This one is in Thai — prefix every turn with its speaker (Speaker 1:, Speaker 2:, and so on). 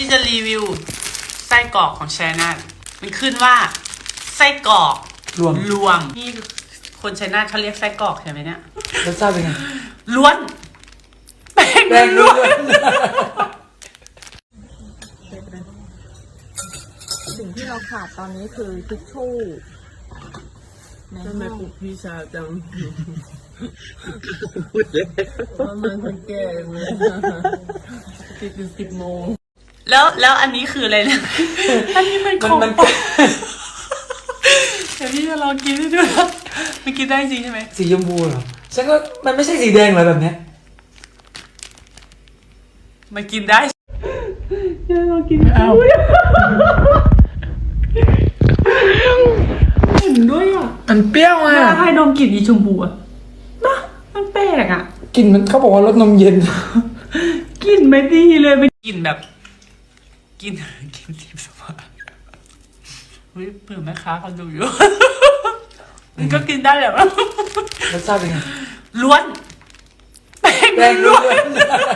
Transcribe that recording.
Speaker 1: ที่จะรีวิวไส้กรอกของชัยนาทมันขึ้นว่าไส้กรอกรวมนี่คนชัยนาทเขาเรียกไส้กรอกใช่ไหมเนี่ย
Speaker 2: รสชาติเป็นไง
Speaker 1: ล้วนแป้งล้วน
Speaker 3: สิ่งที่เราขาดตอนนี้คือทิชชู่
Speaker 4: ทำไมปลุกพี่ชาจังพูดเลยว่ามันคนแก่เลยติดถึง10 โมง
Speaker 1: แล้วอันนี้คืออะไรเนี่ยอันนี้มันของเดี๋ยวพี่จะลองกินให้ดูนะมันกินได้จริงใช่ไหม
Speaker 2: สีชมพูเหรอฉันก็มันไม่ใช่สีแดงเหรอแบบเนี้ย
Speaker 1: มันกินได้เดี๋ยวลองกินเอาเห็นด้วยอ่ะ
Speaker 2: มันเปรี้ยวอ่ะ
Speaker 1: ให้ดมกลิ่นอีชมพูอ่ะนะมันแปลกอ่ะ
Speaker 2: กลิ่นมันเขาบอกว่ารสนมเย็น
Speaker 1: กลิ่นไม่ดีเลยไม่กลิ่นแบบกินทิพย์สวรรค์เฮ้ยเผื่อแม่ค้าเขาดูอยู่มันก็กินได้แหละ
Speaker 2: รสชาติเป็นไง
Speaker 1: ล้วนแป้งล้วน